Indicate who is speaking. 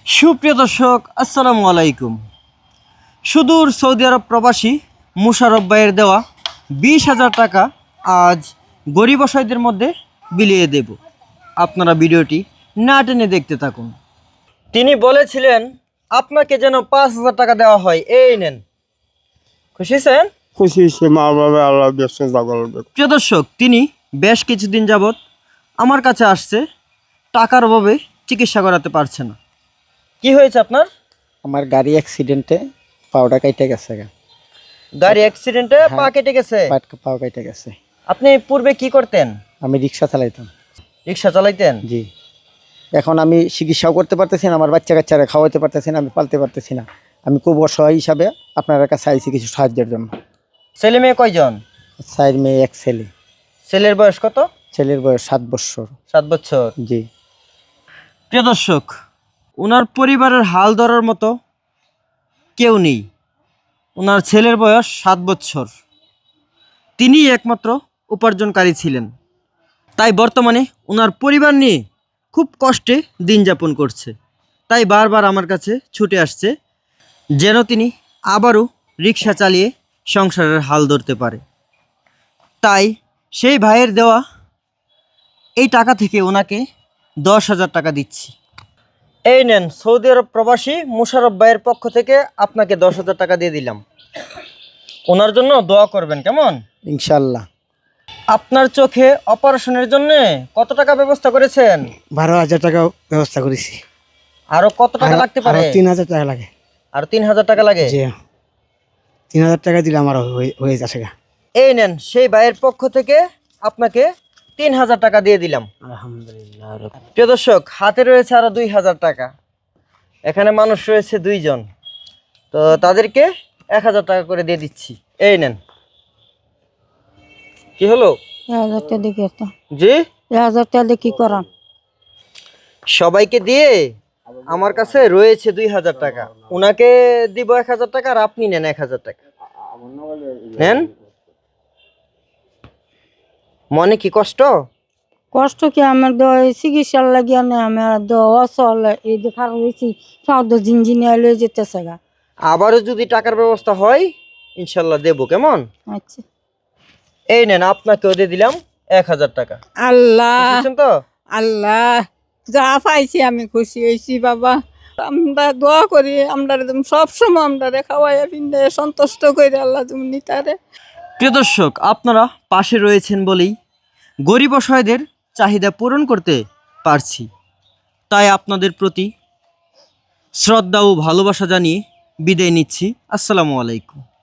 Speaker 1: সুপ্রিয় দর্শক আসসালামু আলাইকুম। সুদূর সৌদি আরব প্রবাসী মুশারফ ভাইয়ের দেওয়া 20,000 টাকা আজ গরিব অসহায়দের মধ্যে বিলিয়ে দেব। আপনারা ভিডিওটি না টেনে দেখতে থাকুন। তিনি বলেছিলেন আপনাকে যেন 5,000 টাকা দেওয়া হয়, এই নেন। খুশি হয়েছেন?
Speaker 2: খুশি সে মা বাবা আল্লাহ ব্যবসা জাগল।
Speaker 1: প্রিয় দর্শক, তিনি বেশ কিছুদিন যাবৎ আমার কাছে আসছে, টাকার অভাবে চিকিৎসা করাতে পারছে না। কি হয়েছে আপনার?
Speaker 3: আমার গাড়ি অ্যাক্সিডেন্টে পাওটা কেটে গেছে।
Speaker 1: গাড়ি অ্যাক্সিডেন্টে পা কেটে গেছে?
Speaker 3: পাও কেটে গেছে।
Speaker 1: আপনি পূর্বে কি করতেন?
Speaker 3: আমি রিক্সা চালাইতাম।
Speaker 1: রিক্সা চালাইতেন?
Speaker 3: জি। এখন আমি চিকিৎসাও করতে পারতেছি না, আমার বাচ্চা কাচ্চারা খাওয়াতে পারতেছি না, আমি পালতে পারতেছি না। আমি খুব অসহায় হিসাবে আপনার কাছে আইছি কিছু সাহায্যের জন্য।
Speaker 1: ছেলে মেয়ে কয়জন?
Speaker 3: 4 মেয়ে 1 ছেলে।
Speaker 1: ছেলের বয়স কত?
Speaker 3: ছেলের বয়স 7 বছর।
Speaker 1: 7 বছর।
Speaker 3: জি।
Speaker 1: প্রিয় দর্শক, ওনার পরিবারের হাল ধরার মতো কেউ নেই। ওনার ছেলের বয়স 7 বছর। তিনি একমাত্র উপার্জনকারী ছিলেন, তাই বর্তমানে ওনার পরিবার নিয়ে খুব কষ্টে দিন যাপন করছে। তাই বারবার আমার কাছে ছুটে আসছে যেন তিনি আবারও রিক্সা চালিয়ে সংসারের হাল ধরতে পারে। তাই সেই ভাইয়ের দেওয়া এই টাকা থেকে ওনাকে 10,000 টাকা দিচ্ছি। এই নেন, সৌদি আরব প্রবাসী মুশারফ ভাইয়ের পক্ষ থেকে আপনাকে 10,000 টাকা দিয়ে দিলাম। ওনার জন্য দোয়া করবেন, কেমন?
Speaker 3: ইনশাআল্লাহ।
Speaker 1: আপনার চোখে অপারেশনের জন্য কত টাকা ব্যবস্থা করেছেন?
Speaker 3: 12,000 টাকা ব্যবস্থা করেছি।
Speaker 1: আরো কত টাকা লাগতে পারে?
Speaker 3: 3,000 টাকা লাগে।
Speaker 1: আর 3,000 টাকা লাগে?
Speaker 3: জি। 3,000 টাকা দিলে আমার হয়ে যাচ্ছে।
Speaker 1: এই নেন, সেই ভাইয়ের পক্ষ থেকে আপনাকে 3,000 টাকা দিয়ে দিলাম।
Speaker 3: আলহামদুলিল্লাহ।
Speaker 1: প্রিয় দর্শক, হাতে রয়েছে আরো 2,000 টাকা। এখানে মানুষ রয়েছে 2 জন, তো তাদেরকে 1,000 টাকা করে দিয়ে দিচ্ছি। এই নেন। কি হলো?
Speaker 4: 1,000 টাকা দেখি তো।
Speaker 1: জি,
Speaker 4: 1,000 টাকা দিয়ে কি করাম?
Speaker 1: সবাইকে দিয়ে আমার কাছে রয়েছে 2,000 টাকা। উনাকে দিব 1,000 টাকা, আর আপনি নেন 1,000 টাকা। নেন। মনে কি কষ্ট?
Speaker 4: কষ্ট কি আমার চিকিৎসার লাগিয়া নেই, আমার অচল এই দেখার হয়েছি সব জিনজিনিয়া লয়ে যেতেছে গা।
Speaker 1: আবারও যদি টাকার ব্যবস্থা হয় ইনশাল্লাহ দেবো, কেমন?
Speaker 4: আচ্ছা।
Speaker 1: এই নেন, আপনাকেও দিয়ে দিলাম 1,000 টাকা।
Speaker 4: আল্লাহ
Speaker 1: বুঝছেন তো?
Speaker 4: আল্লাহ, যা পাইছি আমি খুশি হয়েছি বাবা। আমরা দোয়া করি, আমরা সবসময় আমরা খাওয়াইয়া পিন্ডে সন্তুষ্ট করি আল্লাহ তুমি নিতারে।
Speaker 1: প্রিয় দর্শক, আপনারা পাশে রয়েছেন বলেই গরিব অসহায়দের চাহিদা পূরণ করতে পারছি। তাই আপনাদের প্রতি শ্রদ্ধা ও ভালোবাসা জানিয়ে বিদায় নিচ্ছি। আসসালামু আলাইকুম।